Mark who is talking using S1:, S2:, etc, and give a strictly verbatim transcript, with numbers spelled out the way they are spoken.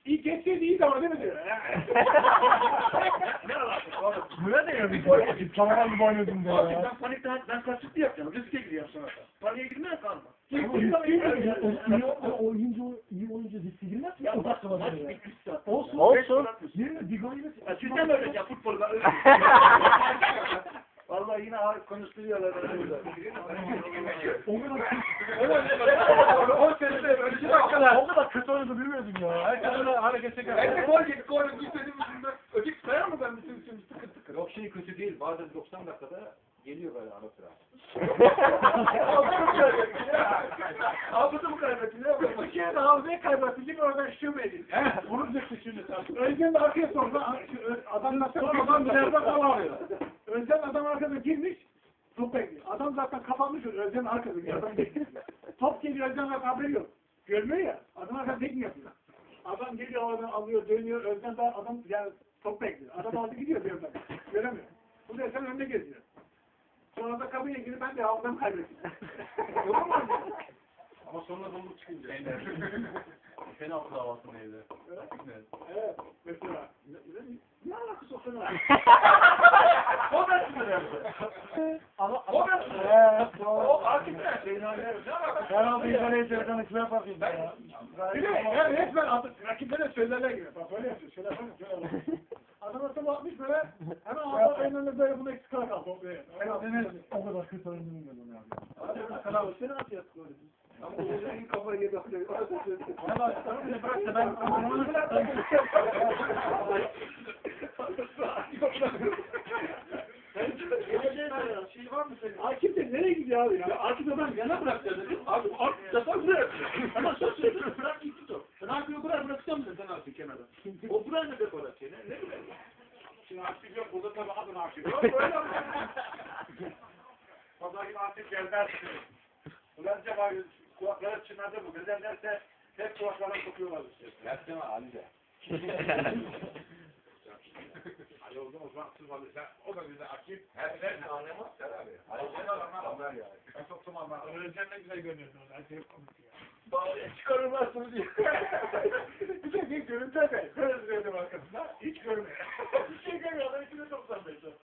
S1: İyi geçseydi iyi de ama değil mi diyor.
S2: Ne alakası var?
S3: Buraya da yazık. Canavar gibi oynuyordun da
S2: Abi
S3: ya.
S2: ben panikten ben kasıtlı yapacağım. Riske giriyorum sonra da. Paniğe girmeye kalma.
S3: Ama riskli mi? O oyuncu iyi oyuncu riskli girmez mi?
S2: Ya
S3: O
S2: bak
S3: dakika
S2: maç
S3: var ya.
S2: bitmiş zaten.
S3: Olsun.
S4: Olsun.
S3: Yerine bir gol yemesin.
S2: Ya sizden mi öğreteceğim futbolu? Ben Vallahi yine abi konuşturuyorlar.
S3: O kadar
S1: on senede böyle iki dakikalar.
S3: o kadar kötü oynadı bilmiyordum ya. Herkes öyle hareket çeker.
S1: Ben de gol yedik, gol yedik, istediğim yüzünden. Ödük sayar mı ben bütün bütün tıkır tıkır?
S5: Yok şey kötü değil. Bazen doksan dakikada geliyor böyle ara sıra.
S1: Hafıza mı kaybettin ya? Hafıza mı kaybettin ya? Bir kere de hafızayı kaybettin değil mi? Oradan şube edin.
S3: Evet, bunu diyeceksin şimdi sen.
S1: Özden de arkaya sordu. Adam nasıl adam ileride kalamıyor. Özden adam arkada girmiş. Top bekliyor. Adam zaten kapanmış. Özden arkada bir adam bekliyor. Top geliyor. Özden zaten haberi yok. Görmüyor ya. Adam arkada tek mi yapıyor? Adam geliyor oradan alıyor dönüyor. Özden daha adam yani top bekliyor. Adam aldı gidiyor bir yerden. Göremiyor. Bu da sen önde geziyor. Sonra da kapıya girip ben de hafızamı kaybettim. Olur mu?
S5: Ama sonra bulduk çıkınca. Penaltı davası neydi?
S1: Evet. Mesela. Ne alakası o sana?
S2: O da sizin
S3: Ama
S2: O da sizin. O hakikaten şeyin haline ne alakası?
S3: herhalde İngilizce televizyonu kime yapayım ya?
S1: Bir de yani resmen adı, rakiplere söylerler gibi. Bak böyle yapıyor. Şöyle yapalım. Şöyle yapalım. Adam atıp atmış böyle. Hemen ağzına önüne böyle bunu eksik kala kaldı.
S3: Deniz o kadar kötü oynadı bilmiyordum ya.
S1: Hadi kanal. Seni at yat böyle. Ama o yüzden kafayı yedi.
S3: Valla bırak da ben
S2: Şey var mı senin?
S1: Akif de nereye gidiyor abi ya?
S2: Akif'e ben yana bırakacağım dedim. Abi Akif defa buraya atıyor. Hemen söz söyledim. Bırak gitti top. Ben Akif'i buraya bırakacağım dedim sen Akif'i kenara. O buraya ne dekor atıyor? Ne ne bileyim.
S1: Şimdi Akif yok. Burada tabii adın Akif yok. Böyle
S2: Pazar günü Akif gelmez. Ulan cevap kulakları çınladı bu. Güzel derse hep kulaklarına sokuyorlar işte.
S5: Versene Ali de.
S2: Ali oldu o zaman siz var. O da bize Akif.
S5: Her her anlamaz abi. Ali de anlamaz yani.
S2: Ben soktum ama.
S1: Öğreneceğim ne güzel görünüyorsun. Her şey komik ya.
S2: Bağlıya çıkarırlarsınız diye.
S1: Bir de bir görüntü de. Böyle izledim arkasında. Hiç görmüyor. Hiç şey görmüyor. Adam içinde doksan beş.